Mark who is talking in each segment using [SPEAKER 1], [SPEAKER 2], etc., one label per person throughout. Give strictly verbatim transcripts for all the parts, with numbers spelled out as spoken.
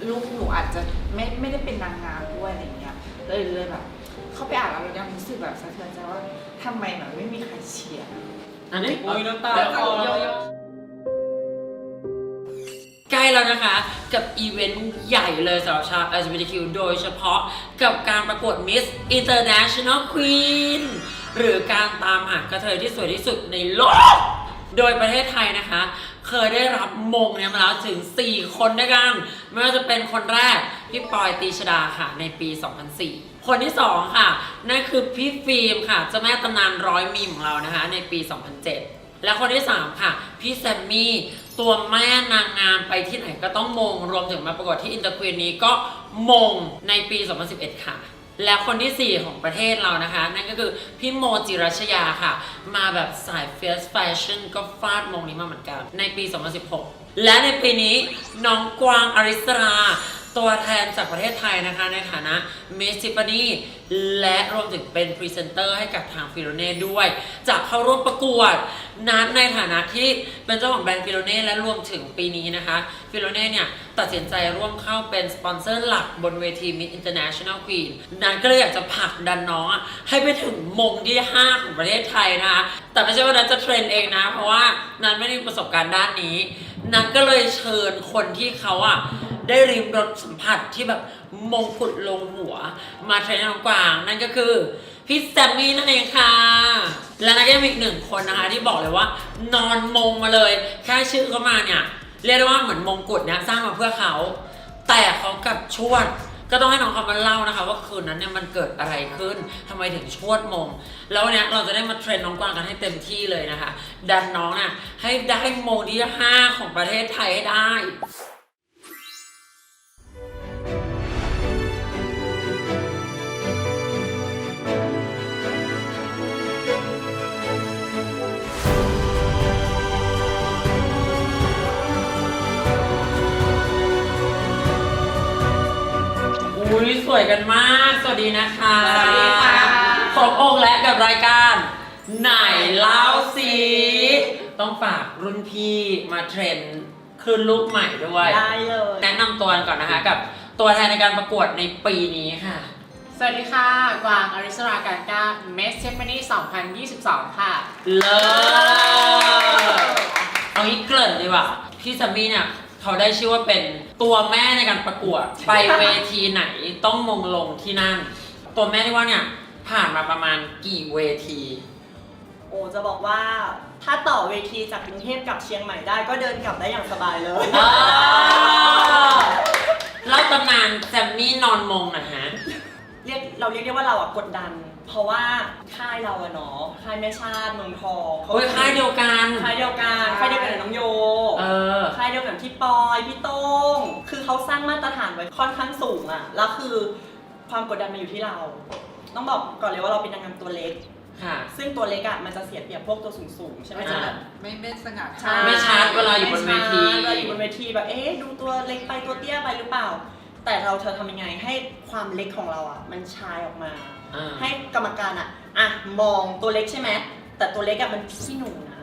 [SPEAKER 1] ลูกหนูอาจจะไม่ไม่ได้เป็นนางงามด้วยอะไรเงี้ยเลยเลยแบบเข้าไปอ่านแล้วเรายังรู้สึกแบบสะเทือนใจว่าทำไมแบบไม่มีใครเชียร์
[SPEAKER 2] อันนี้
[SPEAKER 3] โอ้ยน้ำตาคลอ
[SPEAKER 2] ใกล้แล้วนะคะกับอีเวนต์ใหญ่เลยสำหรับชาว แอล จี บี ที คิว โดยเฉพาะกับการประกวด Miss International Queen หรือการตามหากระเทยที่สวยที่สุดในโลก โดยประเทศไทยนะคะเคยได้รับมงเนี่ยมาแล้วถึงสี่คนด้วยกันไม่ว่าจะเป็นคนแรกพี่ปอยตีชดาค่ะในปี สองพันสี่ คนที่สองค่ะนั่นคือพี่ฟิล์มค่ะเจ้าแม่ตำนานร้อยมีมของเรานะคะในปี สองพันเจ็ด และคนที่สามค่ะพี่แซมมี่ตัวแม่นางงามไปที่ไหนก็ต้องมงรวมถึงมาประกวดที่อินเตอร์ควีนนี้ก็มงในปี สองพันสิบเอ็ด ค่ะและคนที่สี่ของประเทศเรานะคะนั่นก็คือพี่โมจิรัชยาค่ะมาแบบสายเฟสแฟชั่นก็ฟาดมงนี้มาเหมือนกันในปี สองพันสิบหก และในปีนี้น้องกวางอริสราตัวแทนจากประเทศไทยนะคะในฐานะ Miss Tiffany และรวมถึงเป็นพรีเซนเตอร์ให้กับทางฟิโลเน่ด้วยจะเข้าร่วมประกวดนั้นในฐานะที่เป็นเจ้าของแบรนด์ฟิโลเน่และรวมถึงปีนี้นะคะฟิโลเน่เนี่ยตัดสินใจร่วมเข้าเป็นสปอนเซอร์หลักบนเวที Miss International Queen นั้นก็เลยอยากจะผลักดันน้องให้ไปถึงมงที่ห้าของประเทศไทยนะคะแต่ไม่ใช่ว่านั้นจะเทรนเองนะเพราะว่านั้นไม่ได้มีประสบการณ์ด้านนี้นั้นก็เลยเชิญคนที่เขาอ่ะได้ริมรสสัมผัสที่แบบมงกุฎลงหัวมาเทรนน้องกวางนั่นก็คือพี่แซมมี่นั่นเองค่ะและนั่นก็ยังมีอีกหนึ่งคนนะคะที่บอกเลยว่านอนมงมาเลยแค่ชื่อเขามาเนี่ยเรียกได้ว่าเหมือนมงกุฎเนี่ยสร้างมาเพื่อเขาแต่เขากับชวดก็ต้องให้น้องเขามาเล่านะคะว่าคืนนั้นเนี่ยมันเกิดอะไรขึ้นทำไมถึงชวดมงแล้วเนี่ยเราจะได้มาเทรนน้องกวางกันให้เต็มที่เลยนะคะดันน้องน่ะให้ได้มงที่ห้าของประเทศไทยให้ได้อุ้ยสวยกันมากสวัสดีนะคะ
[SPEAKER 1] สวัสดีค่ะ
[SPEAKER 2] ครบองค์และกับรายการไหนเล่าสิต้องฝากรุ่นพี่มาเทรนขึ้นลูกใหม่ด้วย
[SPEAKER 1] ได้เลย
[SPEAKER 2] แนะนำตัวกันก่อนนะคะกับตัวแทนในการประกวดในปีนี้ค่ะ
[SPEAKER 3] สวัสดีค่ะกวางอริสราการก้า Miss Tiffany สองพันยี่สิบสอง ค่ะ
[SPEAKER 2] เลิศเอางี้เกริ่นดีกว่าพี่ซัมมี่เนี่ยเขาได้ชื่อว่าเป็นตัวแม่ในการประกวดไปเวทีไหนต้องมงลงที่นั่นตัวแม่ที่ว่าเนี่ยผ่านมาประมาณกี่เวที
[SPEAKER 4] โอ้จะบอกว่าถ้าต่อเวทีจากกรุงเทพกับเชียงใหม่ได้ก็เดินกลับได้อย่างสบายเลย
[SPEAKER 2] เล่าตำนานแซมมี่นอนมงนะฮะ
[SPEAKER 4] เรียกเราเรียกได้ว่าเราอะกดดันเพราะว่าค่ายเราอะเนาะค่ายแม่ชาติเมืองทอง
[SPEAKER 2] เขาเป็นค่ายเดียวกัน
[SPEAKER 4] ค่ายเดียวกันค่ายเดียวกันกับน้องโย
[SPEAKER 2] เออ
[SPEAKER 4] ค่ายเดียวกันพี่ปอยพี่โต้งคือเขาสร้างมาตรฐานไว้ค่อนข้างสูงอะแล้วคือความกดดันมาอยู่ที่เราต้องบอกก่อนเลยว่าเราเป็นนางงามตัวเล็กซึ่งตัวเล็กอะมันจะเสียเปรียบพวกตัวสูงๆใช่ไหมจ๊ะ
[SPEAKER 1] ไม่ไม่สง่า
[SPEAKER 2] ไม่ชัดเวลาอยู่บนเวที
[SPEAKER 4] เวลาอยู่บนเวทีแบบเอ๊ะดูตัวเล็กไปตัวเตี้ยไปหรือเปล่าแต่เราเธอทำยังไงให้ความเล็กของเราอ่ะมันชายออกมาให้กรรมการอ่ะอ่ะมองตัวเล็กใช่ไหมแต่ตัวเล็กอ่ะมันพี่หนูนะ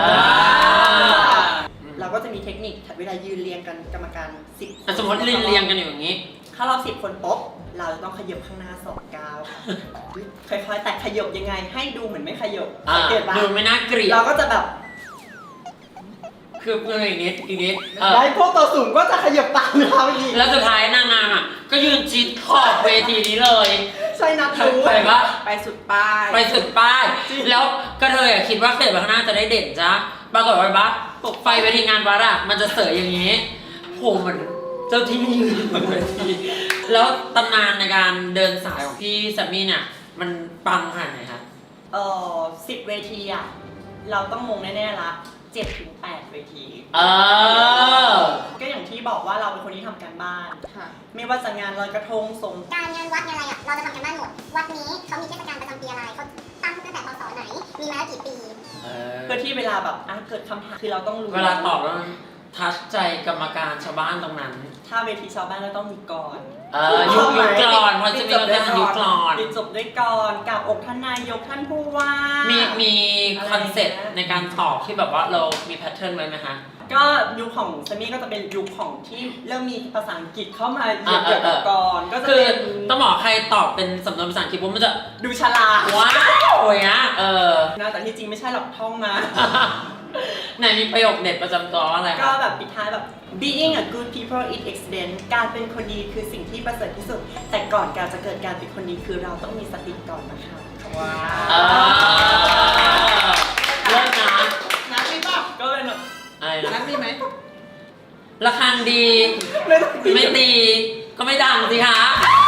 [SPEAKER 4] เราก็จะมีเทคนิคเวลายืนเรียงกันกรรมการสิบ
[SPEAKER 2] สมมติเรียงเรียงกันอยู่อย่างนี้
[SPEAKER 4] ถ้าเราสิบคนปุ๊บเราจะต้องขยับข้างหน้าสองก้าวค่อยๆแต่ขยับยังไงให้ดูเหมือนไม่ขยับ
[SPEAKER 2] เกิดดูไม่น่าเกลียด
[SPEAKER 4] เราก็จะแบบ
[SPEAKER 2] คือเพื่อนอีกนิดอีกนิด
[SPEAKER 4] แล้วพวกตัวสูงก็จะขยับตามเราอีก
[SPEAKER 2] แล้วสุดท้ายนางงามอ่ะก็ยืนชิดขอบเวทีนี้เลย
[SPEAKER 4] ใช่นะทู
[SPEAKER 2] ไปปะ
[SPEAKER 1] ไปสุดป้าย
[SPEAKER 2] ไปสุดป้ายแล้วก็เธออ่ะคิดว่าเกิดไปข้างหน้าจะได้เด่นจ้ะปรากฏว่าปะตกไฟเวทีงานวัดอ่ะมันจะเสยอย่างนี้โหมันเจ้าที่ยืนบนเวทีแล้วตำนานในการเดินสายของพี่แซมมี่เนี่ยมันปังขนาดไหนคะ
[SPEAKER 4] เออสิบเวทีอ่ะเราต้องมงแน่ๆละเจ็ดถึงแปดเวที
[SPEAKER 2] เออ
[SPEAKER 4] ก็อย่างที่บอกว่าเราเป็นคนที่ทำการบ้านไม่ว่าจะงานลอยกระทงสง
[SPEAKER 5] การงานวัดงานอะไรอ่ะเราจะทำการบ้านหมดวัดนี้เขามีเทศกาลประจำปีอะไรเขาตั้งตั้งแต่พศไหนมีมาแล้วกี่ปี
[SPEAKER 4] เพื่อที่เวลาแบบอ่ะเกิดคำถามคือเราต้องรู้
[SPEAKER 2] เวลาตอบแล้วทัชใจกรรมการชาวบ้านตรงนั้น
[SPEAKER 4] ถ้าเวทีชาวบ้านเราต้องมีกร
[SPEAKER 2] เออยุคยุคกรอนเพราะจะมีเราจะยุคกรอน
[SPEAKER 4] ปิดจบด้วยกรกับอกท่านนายกท่านผู้ว่า
[SPEAKER 2] มีมีคอนเซ็ปต์ในการตอบที่แบบว่าเรามีแพทเทิร์นไว้ไหมคะ
[SPEAKER 4] ก็ยุคของเซมี่ก็จะเป็นยุคของที่เริ่มมีภาษาอังกฤษเข้ามาเกี่ยวกับก่อนก็จะ
[SPEAKER 2] คือ
[SPEAKER 4] เป็น
[SPEAKER 2] ต้องบอกใครตอบเป็นสำนวนภาษาอังกฤษว่ามันจะ
[SPEAKER 4] ดูฉลาด
[SPEAKER 2] ว้าวอย่างเงี้ยเออ
[SPEAKER 4] นะแต่ที่จริงไม่ใช่หรอกท่องมา
[SPEAKER 2] ไหนมีประโยคเด็ดประจำตัวว่าอะไร
[SPEAKER 4] ก็
[SPEAKER 2] คะ
[SPEAKER 4] แบบปิดท้ายแบบ being a good people is excellent การเป็นคนดีคือสิ่งที่ประเสริฐที่สุด แต่ก่อนการจะเกิดการเป็นคนดีคือเราต้องมีสติก่อนนะคะว้า
[SPEAKER 2] เออเลิศนะ
[SPEAKER 1] นัดมีป่ะ
[SPEAKER 4] ก็เลยแบบ
[SPEAKER 2] อะไร
[SPEAKER 1] นั
[SPEAKER 2] นะ
[SPEAKER 1] ดมีไหม
[SPEAKER 2] ระฆังดี
[SPEAKER 4] ไม่ต้อง
[SPEAKER 2] ไม่ตีก็ไม่ดังสิคะ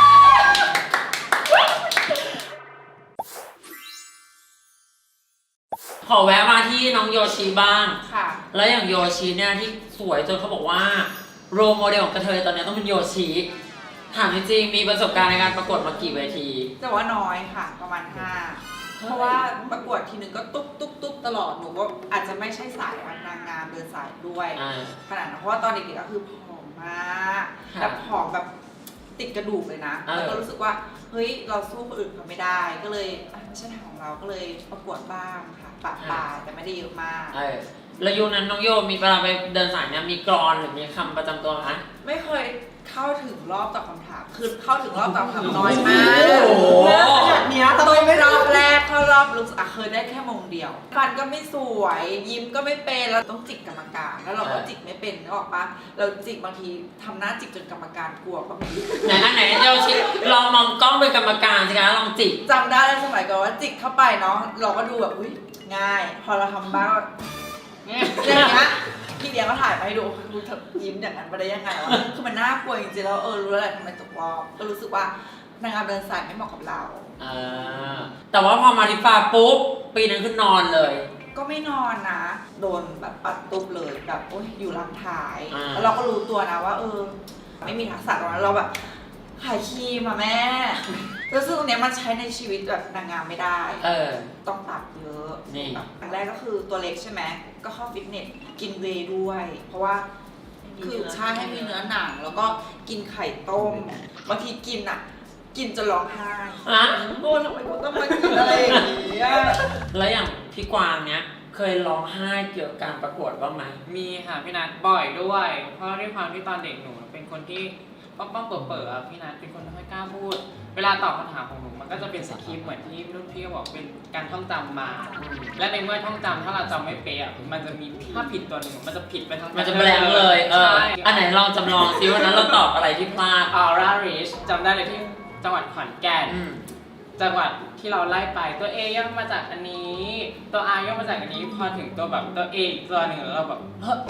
[SPEAKER 2] ขอแวะมาที่น้องโยชิบ้าง
[SPEAKER 1] ค่ะ
[SPEAKER 2] แล้วอย่างโยชิเนี่ยที่สวยจนเขาบอกว่าโรลโมเดลของกระเทยตอนนี้ต้องเป็นโยชิถามจริงๆมีประสบการณ์ในการประกวดมากี่เวที
[SPEAKER 1] แต่ว่าน้อยค่ะประมาณห้าเพราะว่าประกวดทีนึงก็ตุ๊บตุ๊บตุ๊บตลอดหนูก็อาจจะไม่ใช่สายนางงามเดินสายด้วย
[SPEAKER 2] อ่า
[SPEAKER 1] ขนาดนั้นเพราะว่าตอนเด็กๆก็คือผอมมาก
[SPEAKER 2] ค่ะ
[SPEAKER 1] แบบผอมแบบติดกระดูกเลยนะ
[SPEAKER 2] เออ
[SPEAKER 1] แล้วก็รู้สึกว่าเฮ้ยเราสู้คนอื่นเขาไม่ได้ ก็เลยอ่ะไม่ใช่ทางของเราก็เลยประกวดบ้างค่ะปะปลายแต่ไม่ได้เยอะมาก
[SPEAKER 2] เออแล้วยุคนั้นน้องโยมีเวลาไปเดินสายเนี่ยมีกรอนหรือมีคำประจำตัวไหม
[SPEAKER 1] ไม่เคยเข้าถึงรอบตอบคำถามคือเข้าถึงรอบตอบคำถามน้อยมาก
[SPEAKER 2] โอ้โห
[SPEAKER 4] ขนาดเนี้ยทำ
[SPEAKER 1] ต้
[SPEAKER 4] ไม
[SPEAKER 1] อง
[SPEAKER 4] ไม่
[SPEAKER 1] ร
[SPEAKER 4] ร
[SPEAKER 1] อ
[SPEAKER 4] อ
[SPEAKER 1] บบ แรกเข้ารอบลุกอ่ะเคยได้แค่มงเดียวฟันก็ไม่สวย ยิ้มก็ไม่เป็นแล้วต้องจิกกรรมการแล้วเราก็จิกไม่เป็นนึกออกปะเราจิกบางทีทำหน้าจิกจนกรรมการกลัวก็มี
[SPEAKER 2] ไหนอันไหนโยชิลองมองกล้องเป็นกรรมการสิคะลองจิก
[SPEAKER 1] จำได้ในสมัยก่อนว่าจิกเข้าไปเนาะเราก็ดูแบบอุ้ยง่าย พอเราทำบ้างอย่างเงี้ยพี่เดียก็ถ่ายมาให้ดูดูเธอยิ้มอย่างนั้นไปได้ยังไงวะคือมันน่ากลัวจริงๆแล้วเออรู้แล้วแหละทำไมตกรอบก็รู้สึกว่านางงามเดินสายไม่เหมาะกับเรา
[SPEAKER 2] อ่าแต่ว่าพอมาที่ฟ้าปุ๊บปีนั้นคือนอนเลย
[SPEAKER 1] ก็ไม่นอนนะ โดนแบบปัดตุบเลยแบบโอ๊ยอยู่หลังท้าย
[SPEAKER 2] อ่า
[SPEAKER 1] แล้วเราก็รู้ตัวนะว่า เออ ไม่มีทักษะตรงนั้นเราแบบขายครีมอะแม่แล้วซึ่งตรงเนี้ยมันใช้ในชีวิตแบบนางงามไม่ได้
[SPEAKER 2] เออ
[SPEAKER 1] ต้องตัดเยอะ
[SPEAKER 2] นี่
[SPEAKER 1] แบบอย่างแรกก็คือตัวเล็กใช่ไหมก็เข้าฟิตเนสกินเวย์ด้วย เพราะว่าคือใช่ให้มีเนื้อหนังแล้วก็กินไข่ต้มบางทีกินอะกินจนร้องไห้
[SPEAKER 2] อ่ะ
[SPEAKER 1] โอ้ทำไมกูต้องมากินอะไรอย่างนี้อะ
[SPEAKER 2] แล้วอย่างพี่กวางเนี้ยเคยร้องไห้เกี่ยวกับการประกวดบ้างไหม
[SPEAKER 3] มีค่ะพี่นัทบ่อยด้วย เพราะด้วยความที่ตอนเด็กหนูเป็นคนที่ป้องป้องเปิดเปิดอะพี่นัทเป็นคนไม่ค่อยกล้าพูด เวลาตอบคำถามของหนูมันก็จะเป็นสคริปต์เหมือนที่รุ่นพี่บอกเป็นการท่องจำมา และในเมื่อท่องจำถ้าเราจำไม่เป๊ะอะมันจะมีถ้าผิดตัวหนึ่งมันจะผิดไปทั้ง
[SPEAKER 2] มันจะแบลงก์เลย เออ
[SPEAKER 3] ใช่
[SPEAKER 2] อันไหนลองจำลองซิวันนั้นเราตอบอะไรที่พลาด
[SPEAKER 3] ออร่าริชจำได้เลยที่จังหวัดขอนแก่น
[SPEAKER 2] อืม
[SPEAKER 3] จังหวัดที่เราไล่ไปตัว A ย่อมาจากอันนี้ ตัว R ย่อมาจากอันนี้พอถึงตัวแบบตัว A อีกตัวหนึ่งแล้วเราแบบเฮ้ย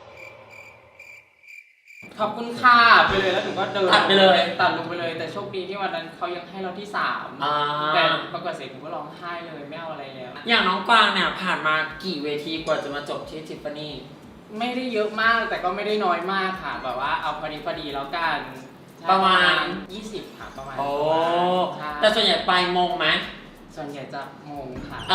[SPEAKER 3] ขอบคุณค่ะไปเลยแล้วถึงก็เดิน
[SPEAKER 2] ตัดไปเลย
[SPEAKER 3] ตัดลงไปเลยแต่โชคดีที่วันนั้นเขายังให้เราที่สาม
[SPEAKER 2] อ่า
[SPEAKER 3] แต่ประกวดเสร็จผมก็ร้องไห้เลยไม่เอาอะไรแล้ว
[SPEAKER 2] อย่างน้องกวางเนี่ยผ่านมากี่เวทีกว่าจะมาจบที่ทิฟฟานี่
[SPEAKER 3] ไม่ได้เยอะมากแต่ก็ไม่ได้น้อยมากค่ะแบบว่าเอาพอดีพอดีแล้วกัน
[SPEAKER 2] ประมาณ
[SPEAKER 3] ยี่สิบค่ะประมาณ
[SPEAKER 2] โอ้
[SPEAKER 3] ใช่
[SPEAKER 2] แต่ส่วนใหญ่ไปมงไหม
[SPEAKER 3] ส่วนใหญ่จะงงค่ะ
[SPEAKER 2] เอ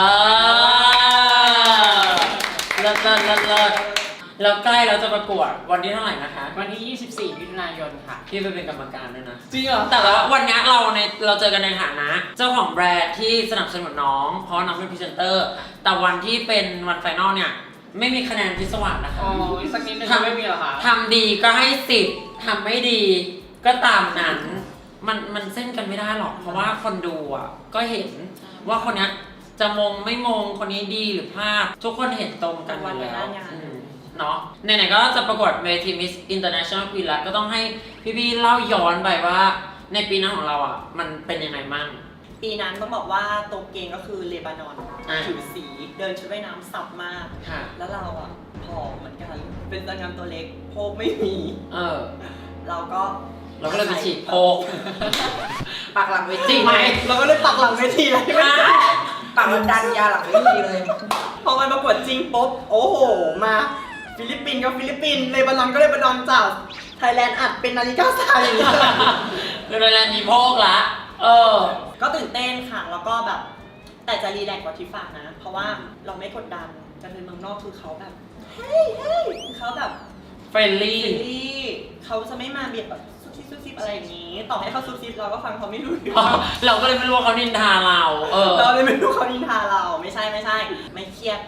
[SPEAKER 2] อเลิศเลิศเลิศเลิศแล้วใกล้เราจะประกวดวันที่เท่าไหร่นะคะ
[SPEAKER 3] วันที่ยี่สิบสี่มิถุนายนค่ะ
[SPEAKER 2] พี่ไปเป็นกรรมการด้วยนะ
[SPEAKER 3] จริงเหรอ
[SPEAKER 2] แต่ว่าวันนี้เราในเราเจอกันในฐานะ เจ้าของแบรนด์ที่สนับสนุนน้อง เพราะน้องเป็นพรีเซนเตอร์ แต่วันที่เป็นวันไฟนอลเนี่ย ไม่มีคะแนนพิศวาสนะคะ
[SPEAKER 3] โอ้ยสักนิดนึง
[SPEAKER 2] ทำ
[SPEAKER 3] ไม่มีเหรอคะ
[SPEAKER 2] ทำดีก็ให้สิบทำไม่ดีก็ตามนั้น มันมันเส้นกันไม่ได้หรอก เพราะว่าคนดูอ่ะก็เห็นว่าคนเนี้ยจะมงไม่มงคนนี้ดีหรือพลาดทุกคนเห็นตรงกันอยู่แล้วอืมเนาะไหนๆก็จะประกวดเวที Miss International Queen แล้วก็ต้องให้พี่ๆเล่าย้อนไปว่าในปีนั้นของเราอ่ะมันเป็นยังไงมั่ง
[SPEAKER 4] ปีนั้นต้องบอกว่าตัวเกงก็คือเลบานอน
[SPEAKER 2] อ่า
[SPEAKER 4] ผิวสีเดินชุดว่ายน้ำสับมาก
[SPEAKER 2] ค่ะ
[SPEAKER 4] แล้วเราอ่ะผอมเหมือนกัน เป็นนางงามตัวเล็กโพกไม่มี
[SPEAKER 2] เออ
[SPEAKER 4] เราก็
[SPEAKER 2] เราก็เลยไปฉีดโพก
[SPEAKER 1] ปากหลังเว
[SPEAKER 2] จ
[SPEAKER 1] ที
[SPEAKER 2] ริงไหม
[SPEAKER 4] เราก็เลยปักหลังเวทีเลย
[SPEAKER 1] ปากมันดันยาหลังเวทีเลย
[SPEAKER 4] พอมันประกวดจริงปุ๊บโอ้โห มาฟิลิปปินส์ก็ฟิลิปปินส์เลบานอนก็เลบานอนจากไทยแลนด์อัดเป็นนาฬิกาทรายอย่างเงี้ย
[SPEAKER 2] คือเรามีโพกละ เออ
[SPEAKER 4] ก็ตื่นเต้นค่ะ แล้วก็แบบ แต่จะรีแลกซ์กว่าที่ฝากนะ เพราะว่าเราไม่กดดันจะเป็นเมืองนอกคือเขาแบบ เฮ้ยเฮ้ยเขาแบบ
[SPEAKER 2] เฟรนลี่
[SPEAKER 4] เฟรนลี่เขาจะไม่มาเบียดแบบซุบซิบซุบซิบอะไรอย่างนี้ ต่อให้เขาซุบซิบเราก็ฟังเขาไม่รู้เรื่อง
[SPEAKER 2] เราก็เลยไม่รู้ว่าเขานินทาเรา เออ
[SPEAKER 4] เราเลยไม่รู้เขานินทาเรา ไม่ใช่ไม่ใช่ ไม่เครียด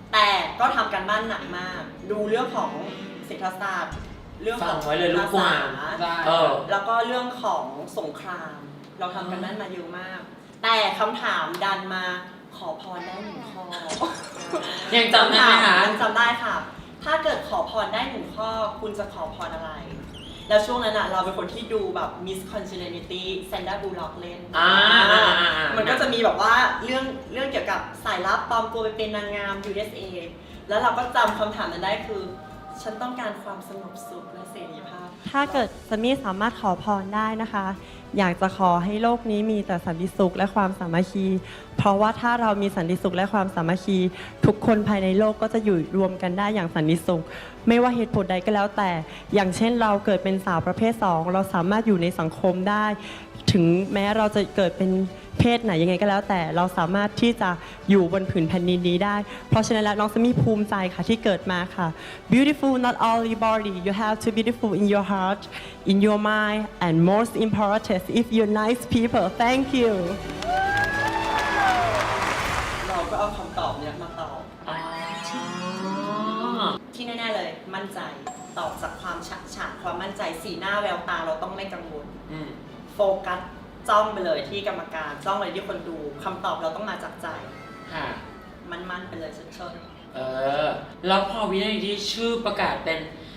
[SPEAKER 4] แต่ก็ทำการบ้านหนักมาก ดูเรื่องของเศรษฐศาสตร์เรื่องของ
[SPEAKER 2] ฟังไว้เลยลูกกวาง
[SPEAKER 4] ภาษ
[SPEAKER 3] ได้
[SPEAKER 2] เออ
[SPEAKER 4] แล้วก็เรื่องของสงคราม เราทำกันบ้านมาเยอะมาก แต่คำถามดันมาขอพรได้หนึ่งข้อ
[SPEAKER 2] ยังจำได้ไหมคะ
[SPEAKER 4] ยังจำได้ค่ะ ถ้าเกิดขอพรได้หนึ่งข้อคุณจะขอพรอะไร แล้วช่วงนั้นอะเราเป็นคนที่ดูแบบ Miss Congeniality แซนด้าบูลล็อกเล่น
[SPEAKER 2] อ่าอ่าอ่าอ่า
[SPEAKER 4] มันก็จะมีแบบว่าเรื่องเรื่องเกี่ยวกับสายลับปลอมตัวไปเป็นนางงาม ยู เอส เอ แล้วเราก็จำคำถามนั้นได้คือ ฉันต้องการความสงบสุขและเสรีภาพ
[SPEAKER 6] ถ้าเกิดสมี่สามารถขอพรได้นะคะ อยากจะขอให้โลกนี้มีแต่สันติสุขและความสามัคคี เพราะว่าถ้าเรามีสันติสุขและความสามัคคี ทุกคนภายในโลกก็จะอยู่รวมกันได้อย่างสันติสุข ไม่ว่าเหตุผลใดก็แล้วแต่ อย่างเช่นเราเกิดเป็นสาวประเภทสองเราสามารถอยู่ในสังคมได้ ถึงแม้เราจะเกิดเป็นเพศไหนยังไงก็แล้วแต่ เราสามารถที่จะอยู่บนผืนแผ่นดินนี้ได้ เพราะฉะนั้นแล้วน้องสมี่ภูมิใจค่ะที่เกิดมาค่ะ beautiful not only body you have to beautiful in your heart in your mind and most important if you're nice people thank you
[SPEAKER 4] เราก็เอาคำตอบเนี้ยมาตอบ
[SPEAKER 2] อ๋อ
[SPEAKER 4] ที่แน่ๆเลย มั่นใจ ตอบจากความฉะฉานความมั่นใจ สีหน้าแววตาเราต้องไม่กังวล
[SPEAKER 2] อืม
[SPEAKER 4] โฟกัสจ้องไปเลยที่กรรมการจ้องไปที่คนดูคำตอบเราต้องมาจากใจ
[SPEAKER 2] ค่ะ
[SPEAKER 4] มันๆไปเลยเชิญ
[SPEAKER 2] เออ แล้วพอวินาทีที่ชื่อประกาศเป็น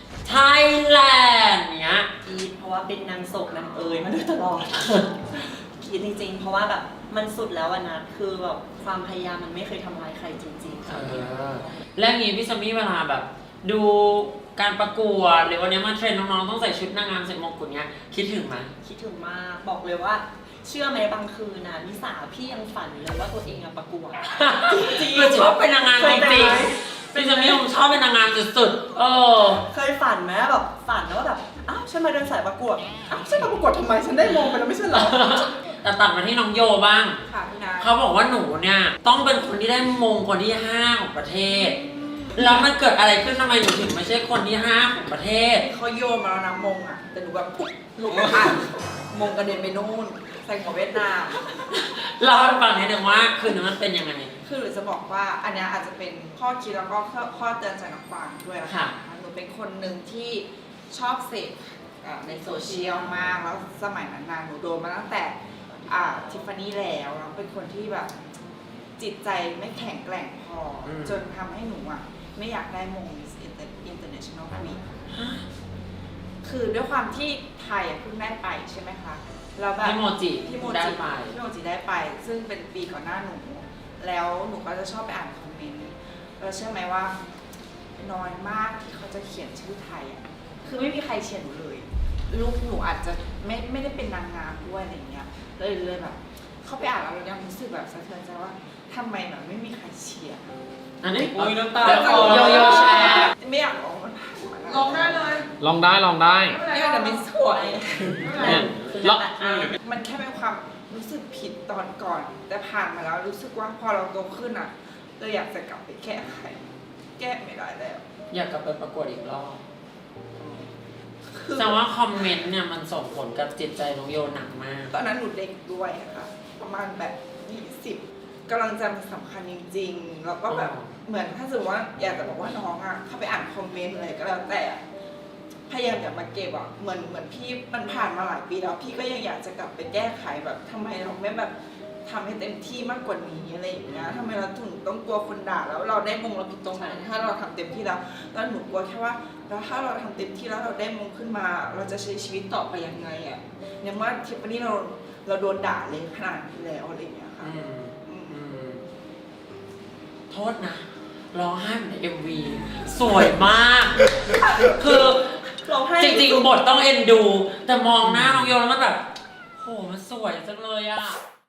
[SPEAKER 2] Thailand เนี้ย
[SPEAKER 4] ๆอีทเพราะว่าเป็นนางโศกนางเอยมาโดยตลอด คิดจริงๆ เพราะว่าแบบมันสุดแล้วอะนะคือแบบความพยายามมันไม่เคยทำร้ายใครจริงๆ
[SPEAKER 2] เอ
[SPEAKER 4] ค่ะ
[SPEAKER 2] อ แล้วงี้พี่สมี่เวลาแบบ ดูการประกวดหรือวันนี้มาเทรนน้องๆต้องใส่ชุดนางงามใส่มงกุฎเนี้ย คิดถึงไหม
[SPEAKER 4] คิดถึงมากบอกเลยว่า เชื่อไหมบางคืนนะนิสาพี่ยังฝันเลยว่าตัวเองอะประกวด จริงๆ
[SPEAKER 2] คือชอบเป็นนางงาม
[SPEAKER 4] เค
[SPEAKER 2] จ
[SPEAKER 4] ยเป็น
[SPEAKER 2] ริง
[SPEAKER 4] ไหม
[SPEAKER 2] ๆพี่สมี่ผมชอบเป็นนางงามสุดๆเออ
[SPEAKER 4] เคยฝันไหมแบบฝันว่าแบบอ้าวฉันมาเดินสายประกวดอ้าวฉันมาประกวดทำไมฉันได้มงไปแล้วไม่ใช่เหรอ
[SPEAKER 2] แต่ตัดมาที่น้องโยบ้าง
[SPEAKER 1] ค่ะพี่นา
[SPEAKER 2] เขาบอกว่าหนูเนี่ยต้องเป็นคนที่ได้มงคนที่ห้าของประเทศ แล้วมันเกิดอะไรขึ้นทำไมหนูถึงไม่ใช่คนที่ห้าของประเทศ
[SPEAKER 1] เขาโยนมาแล้วนะมงอ่ะ แต่หนูแบบปุ๊บลุกอ่ะมงกระเด็นไปนู่นใส่หัวเวียดนาม
[SPEAKER 2] เราให้ฟังนิดนึงว่าคืนนั้นมันเป็นยังไง
[SPEAKER 1] คือหรือจะบอกว่าอันเนี้ยอาจจะเป็นข้อคิดแล้วก็ข้อข้อเตือนใจน้องฟางด้วยนะ
[SPEAKER 2] ค่ะ
[SPEAKER 1] คะหนูเป็นคนหนึ่งที่ชอบเสพอ่าในโซเชียลมากแล้วสมัยนั้นนานหนูโดนมาตั้งแต่อ่าทิฟฟานี่แล้วแล้วเป็นคนที่แบบจิตใจไม่แข็งแกร่งพออ
[SPEAKER 2] ม
[SPEAKER 1] จนทำให้หนูอ่ะไม่อยากได้มง Miss International Queen คือด้วยความที่ไทยอ่ะเพิ่งได้ไปใช่ไหมคะแล้วแบบ
[SPEAKER 2] พี่โมจิ
[SPEAKER 1] พี่โม
[SPEAKER 2] ได้
[SPEAKER 1] จิ
[SPEAKER 2] ไป
[SPEAKER 1] พี่โมจิได้ไป ซึ่งเป็นปีก่อนหน้าหนู แล้วหนูก็จะชอบไปอ่านคอมเมนต์แล้วเชื่อไหมว่าน้อยมากที่เขาจะเขียนชื่อไทยอ่ะคือไม่มีใครเขียนหนูเลยลูกหนูอาจจะไม่ไม่ได้เป็นนางงามด้วยอะไรเงี้ยเลยเลยแบบเข้าไปอ่านแล้วเรายังรู้สึกแบบสะเทือนใจว่าทำไมแบบไม่มีใครเชียร์
[SPEAKER 2] อันนี้
[SPEAKER 3] อุ้ยน้ำตา
[SPEAKER 2] เดี๋ยว
[SPEAKER 3] คลอ
[SPEAKER 2] โยโย่แชร์
[SPEAKER 1] ไม่อยากร้องมันผ่านมาแล้วร้องได้เลย
[SPEAKER 3] ลองได้ลองได้
[SPEAKER 1] นี่มันไม่สวย
[SPEAKER 3] เนี่ยลอง
[SPEAKER 1] มันแค่เป็นความรู้สึกผิดตอนก่อน แต่ผ่านมาแล้วรู้สึกว่าพอเราโตขึ้นอ่ะเราอยากจะกลับไปแก้ไขแก้ไม่ได้แล้ว
[SPEAKER 2] อยากกลับไปประกวดอีกรอบ
[SPEAKER 1] คือ
[SPEAKER 2] แต่ว่าคอมเมนต์เนี่ยมันส่งผลกับจิตใจน้องโยหนักมาก
[SPEAKER 1] ตอนนั้นหนูเด็กด้วยอะค่ะประมาณแบบยี่สิบกำลังใจมันสำคัญจริงๆแล้วก็แบบ
[SPEAKER 2] อ๋อ
[SPEAKER 1] เหมือนถ้าสมมติว่าอยากจะบอกว่าน้องอ่ะเข้าไปอ่านคอมเมนต์อะไรก็แล้วแต่พยายามอย่ามาเก็บอ่ะเหมือนเหมือนพี่มันผ่านมาหลายปีแล้วพี่ก็ยังอยากจะกลับไปแก้ไขแบบทำไมเราไม่แบบทำให้เต็มที่มากกว่านี้อะไรอย่างเงี้ยทำไมเราถึงต้องกลัวคนด่าแล้วเราได้มงเราผิดตรงไหนถ้าเราทำเต็มที่แล้วแล้วหนูกลัวแค่ว่าแล้วถ้าเราทำเต็มที่แล้วเราได้มงขึ้นมา เราจะใช้ชีวิตต่อไปยังไงอ่ะอย่างว่าทริปนี้เราเราโดนด่าเลยขนาดนี้แล้วอะไรอย่างเงี้ยค่ะ
[SPEAKER 2] อืม
[SPEAKER 1] อืม
[SPEAKER 2] อืมโทษนะร้องไห้เหมือนในเอ็มวีสวยมาก คือ
[SPEAKER 4] ร้องไห้
[SPEAKER 2] จริงๆบทต้องเอ็นดู แต่มองหน้าน้องโยแล้วมันแบบโหมันสวยจังเลยอะ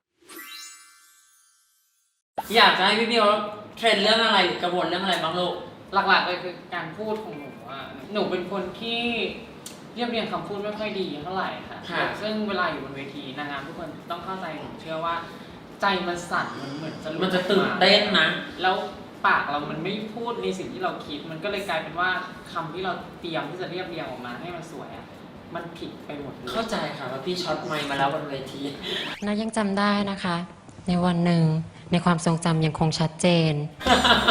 [SPEAKER 2] อยากจะให้พี่เบียวเทรนเรื่องอะไรหรือกังวลเรื่องอะไรบ้างลูก
[SPEAKER 3] หลักๆเลยคือการพูดของหนูอ่ะหนูเป็นคนที่เรียบเรียงคำพูดไม่ค่อยดีเท่าไหร่ค่ะ
[SPEAKER 2] ค่ะ
[SPEAKER 3] ซึ่งเวลาอยู่บนเวทีนางงามทุกคนต้องเข้าใจหนูเชื่อว่า ใจมันสั่นมันเหมือนจะหลุด
[SPEAKER 2] มันจะตื่นเต้นนะ
[SPEAKER 3] แล้วปากเรามันไม่พูดในสิ่งที่เราคิด มันก็เลยกลายเป็นว่าคำที่เราเตรียมที่จะเรียบเรียงออกมาให้มันสวยอ่ะมันผิดไปหมดเลย
[SPEAKER 2] เข้าใจค่ะว่าพี่ช็อตไมค์มาแล้วบนเวที
[SPEAKER 7] นายังจำได้นะคะ ในวันหนึ่งในความทรงจำยังคงชัดเจน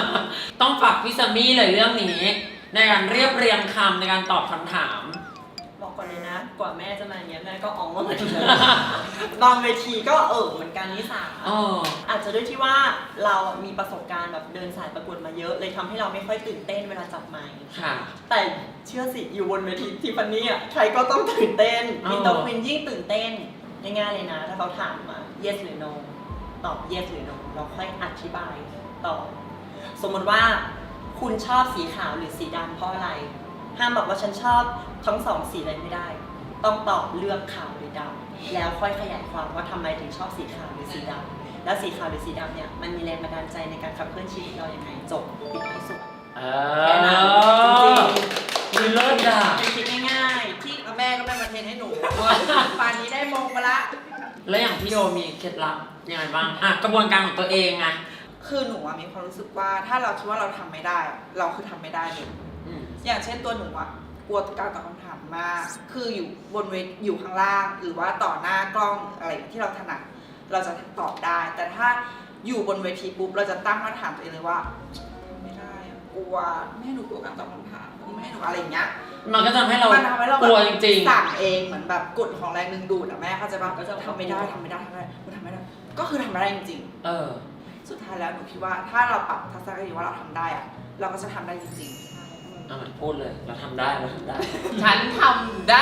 [SPEAKER 2] ต้องฝากพี่ซัมมี่เลยเรื่องนี้ ในการเรียบเรียงคำในการตอบคำถาม
[SPEAKER 4] บอกก่อนเลยนะ กว่าแม่จะมาอย่างเงี้ยแม่ก็อ๋องมาเหมือนกันบางเวทีก็เออเหมือนกันนิสา
[SPEAKER 2] อ๋อ
[SPEAKER 4] อาจจะด้วยที่ว่าเรามีประสบการณ์แบบเดินสายประกวดมาเยอะเลยทำให้เราไม่ค่อยตื่นเต้นเวลาจับไมค์
[SPEAKER 2] ค่ะ
[SPEAKER 4] แต่เชื่อสิอยู่บนเวทีทิฟฟานี่อ่ะใครก็ต้องตื่นเต้น
[SPEAKER 2] อ๋อ
[SPEAKER 4] มีตัวควินยิ่งตื่นเต้นง่ายๆเลยนะ ถ้าเขาถามมา yes หรือ no ตอบ yes หรือ no เราค่อยอธิบายต่อสมมติว่าคุณชอบสีขาวหรือสีดำเพราะอะไร ห้ามบอกว่าฉันชอบทั้งสองสีเลยไม่ได้ ต้องตอบเลือกขาวหรือดำแล้วค่อยขยายความว่าทำไมถึงชอบสีขาวหรือสีดำแล้วสีขาวหรือสีดำเนี่ยมันมีแรงบันดาลใจในการขับเคลื่อนชีวิตเราอย่างไรจบปิดให้สุด
[SPEAKER 2] เอ
[SPEAKER 4] แค่นั้น
[SPEAKER 2] อ
[SPEAKER 4] จริง
[SPEAKER 2] มีเลิศอ่ะ
[SPEAKER 4] ๆเป็นคิดง่ายๆที่
[SPEAKER 1] แล้วแม่ก็ไม่มาเทรนให้หนู ป่านนี้ได้มงมาละ
[SPEAKER 2] แล้วอย่างพี่โยมีเคล็ดลับยังไงบ้างอ่ะกระบวนการของตัวเองไง
[SPEAKER 1] คือหนูอะมีความรู้สึกว่าถ้าเราคิดว่าเราทำไม่ได้อะเราคือทำไม่ได้เลย
[SPEAKER 2] อืม
[SPEAKER 1] อย่างเช่นตัวหนูอะกลัวการตอบคำถามมาก คืออยู่บนเวทอยู่ข้างล่าง หรือว่าต่อหน้ากล้องอะไรที่เราถนัดเราจะตอบได้ แต่ถ้าอยู่บนเวทีปุ๊บเราจะตั้งคำถามตัวเองเลยว่าไม่ได้อะกลัวไม่ให้หนูกลัวการตอบคำถามไม่ให้หนูอะไรอย่างเงี้ย
[SPEAKER 2] มันก็ทำให้เรา
[SPEAKER 1] มันทำให้เรา
[SPEAKER 2] กลัวจริง
[SPEAKER 1] สั่งเองเหมือนแบบกฎของแรงดึงดูดอะแม่เข้าใจป่ะก็จะทำไม่ได้ทำไม่ได้ทำไม่ได้กูทำไม่ได้ ก็คือทำไม่ได้จริง
[SPEAKER 2] ๆ เออ
[SPEAKER 1] ๆ สุดท้ายแล้วหนูคิดว่าถ้าเราปรับทัศนคติว่าเราทำได้อะเราก็จะทำได้จริงๆ
[SPEAKER 2] เอาใหม่พูดเลย เราทำได้ เราทำได้
[SPEAKER 3] ฉันทำได้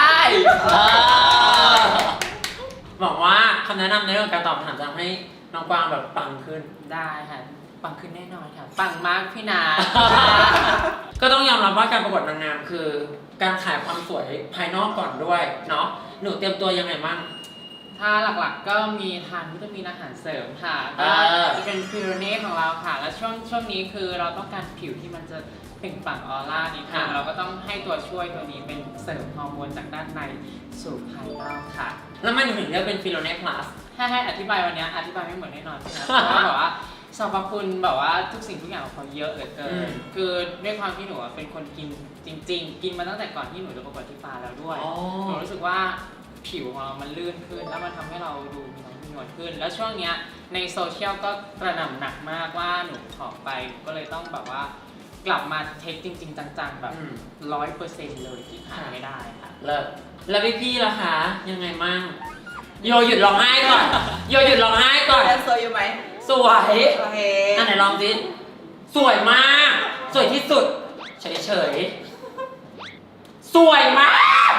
[SPEAKER 2] บอกว่าคำแนะนำในเรื่องการตอบคำถามจะทำให้น้องกวางแบบปังขึ้น
[SPEAKER 3] ได้ค่ะปังขึ้นแน่นอนค่ะปังมากพี่นา
[SPEAKER 2] ก็ต้องยอมรับว่าการประกวดนางงามคือ การขายความสวยภายนอกก่อนด้วยเนาะ หนูเตรียมตัวยังไงบ้าง
[SPEAKER 3] ถ้าหลักๆก็มีทานวิตามินอาหารเสริมค่ะ
[SPEAKER 2] อ่
[SPEAKER 3] ก็
[SPEAKER 2] า
[SPEAKER 3] จะเป็นฟิโรเน่ของเราค่ะ และช่วงช่วงนี้คือเราต้องการผิวที่มันจะเปล่งปลั่งออร่านิดนึงเราก็ต้องให้ตัวช่วยตัวนี้เป็นเสริมฮอร์โมนจากด้านในสู่ภายนอกค่ะ
[SPEAKER 2] แล้วมันถึงเรียกเป็นฟิโลเน่พลัส
[SPEAKER 3] ถ้าให้อธิบายวันนี้อธิบายไม่เหมือนแน่นอนนะเพราะว่าแบบว่าสรรพคุณแบบว่าทุกสิ่งทุกอย่างของเขาเยอะเหลือเกิ
[SPEAKER 2] อืม
[SPEAKER 3] นคือด้วยความที่หนูอะเป็นคนกินจริง ๆ กินมาตั้งแต่ก่อนที่หนูจะประกวดที่ฟ้าแล้วด้วย
[SPEAKER 2] อ๋อ
[SPEAKER 3] หนูรู้สึกว่าผิวของเรามันลื่นขึ้น แล้วมันทำให้เราดูมีน้ำมีนวลขึ้น แล้วช่วงเนี้ยในโซเชียลก็กระหน่ำหนักมากว่าหนูผอมไปก็เลยต้องแบบว่ากลับมาเทคจริง ๆ จังๆ แบบ
[SPEAKER 2] อืม
[SPEAKER 3] ร้อยเปอร์เซ็นต์เลยที่ขาดไม่ได้ค่ะ
[SPEAKER 2] เลิศแล้วพี่พี่ๆล่ะคะ ยังไงมั่ง โยหยุดร้องไห้ก่อน โยหยุดร้องไห้ก่อน
[SPEAKER 1] แล้วสวยอยู่ไหม
[SPEAKER 2] สวย
[SPEAKER 1] โอเค
[SPEAKER 2] อันไหนลองสิสวยมาก สวยที่สุด เฉยเฉยๆสวยมาก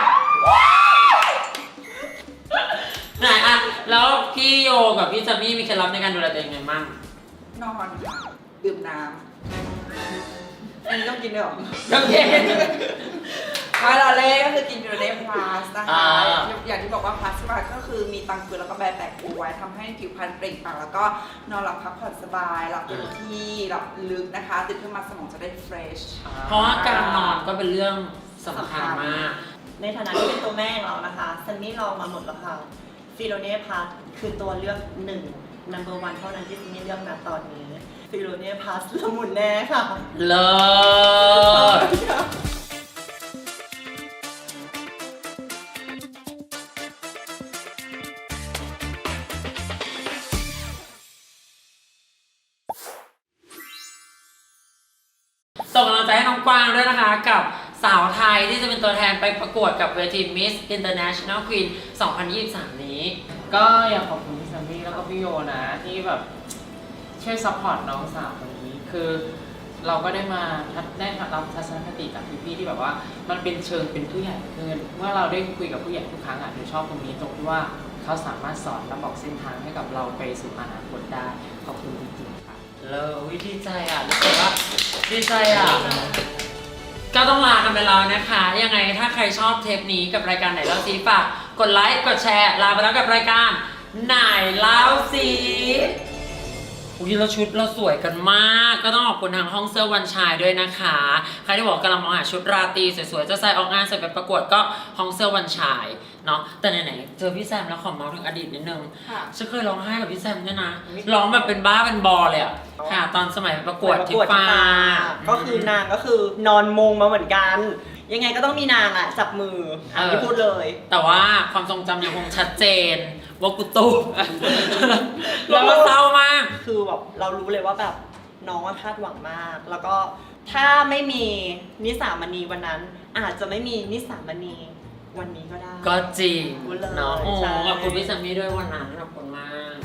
[SPEAKER 2] ไหนอะแล้วพี่โยกับพี่ซัมมี่มีเคล็ดลับในการดูแลตัวเองไงมั่ง
[SPEAKER 1] นอนค่ะดื่มน้ำอันนี้ต้องกินด้วยเหรอ
[SPEAKER 2] โอเค
[SPEAKER 1] ไมาเราเล่ก็คือกินยูเรพลัสนะคะ
[SPEAKER 2] อ่า
[SPEAKER 1] อย่างที่บอกว่าพลัสมาก็คือมีตังเกลือแล้วก็แบร์แตกเอาไว้ทำให้ผิวพรรณเปล่งปลั่งแล้วก็นอนหลับพักผ่อนสบายหลับเต็มที่หลับลึกนะคะตื่นขึ้นมาสมองจะได้เฟรช
[SPEAKER 2] เพราะว่าการนอนก็เป็นเรื่องสำคัญมาก
[SPEAKER 4] ในฐานะที่เป็นตัวแม่ของเรานะคะซันนี่ลองมาหมดแล้วค่ะฟิโลเน่พัสคือตัวเลือกหนึ่ง number one เท่านั้นที่ซันนี่เลือกณตอนนี้ฟิโลเน่พัสละมุนแน่ค่ะ
[SPEAKER 2] เลิศส่งกำลังใจให้น้องกวางด้วยนะคะ กับสาวไทยที่จะเป็นตัวแทนไปประกวดกับเวที Miss International Queen สองพันยี่สิบสาม นี้
[SPEAKER 3] ก็อยากขอบคุณพี่ซัมมี่แล้วก็พี่โยนะที่แบบช่วยซัพพอร์ตน้องสาวคนนี้คือเราก็ได้มาได้รับทัศนคติจากพี่ๆที่แบบว่ามันเป็นเชิงเป็นผู้ใหญ่ขึ้นเมื่อเราได้คุยกับผู้ใหญ่ทุกครั้งอ่ะหนูชอบตรงนี้ตรงที่ว่าเขาสามารถสอนและบอกเส้นทางให้กับเราไปสู่อนาคตได้ขอบคุณจริงๆค่ะ
[SPEAKER 2] เลอวิดีใจอ่ะรู้สึกว่าดีใจอ่ะ ก็ต้องลากันไปแล้วนะคะ ยังไงถ้าใครชอบเทปนี้กับรายการไหนเล่าซีฝากกดไลค์ กดแชร์ ลาไปแล้วกับรายการไหนเล่าซีอุ้ยเราชุดเราสวยกันมาก ก็ต้องขอบคุณทางห้องเสื้อวันชายด้วยนะคะ ใครที่บอกกำลังมองหาชุดราตรีสวยๆ จะใส่ออกงานใส่ไปประกวดก็ห้องเสื้อวันชายเนาะ แต่ไหนๆเจอพี่แซมแล้วขอเมาส์ถึงอดีตนิดนึง
[SPEAKER 1] ค่ะ
[SPEAKER 2] ฉันเคยร้องไห้กับพี่แซมด้วยนะ ร้องแบบเป็นบ้าเป็นบอเลยอะค่ะ ตอนสมัยประกวดที่ฟ้า
[SPEAKER 4] ก็คือนางก็คือนอนมงมาเหมือนกัน ยังไงก็ต้องมีนางอ่ะจับมืออันนี้พูดเลย
[SPEAKER 2] แต่ว่าความทรงจำยังคงชัดเจนว่ากูตู้ แล้วก็เศร้ามาก
[SPEAKER 4] คือแบบเรารู้เลยว่าแบบน้องอะคาดหวังมาก แล้วก็ถ้าไม่มีนิสามณีวันนั้น อาจจะไม่มีนิสามณีวันนี้ก็ได้
[SPEAKER 2] ก็จริง
[SPEAKER 4] พูดเลย
[SPEAKER 2] เนาะโอ้
[SPEAKER 4] ใช่
[SPEAKER 2] ขอบคุณพี่ซัมมี่ด้วยวันนั้นขอบคุณมาก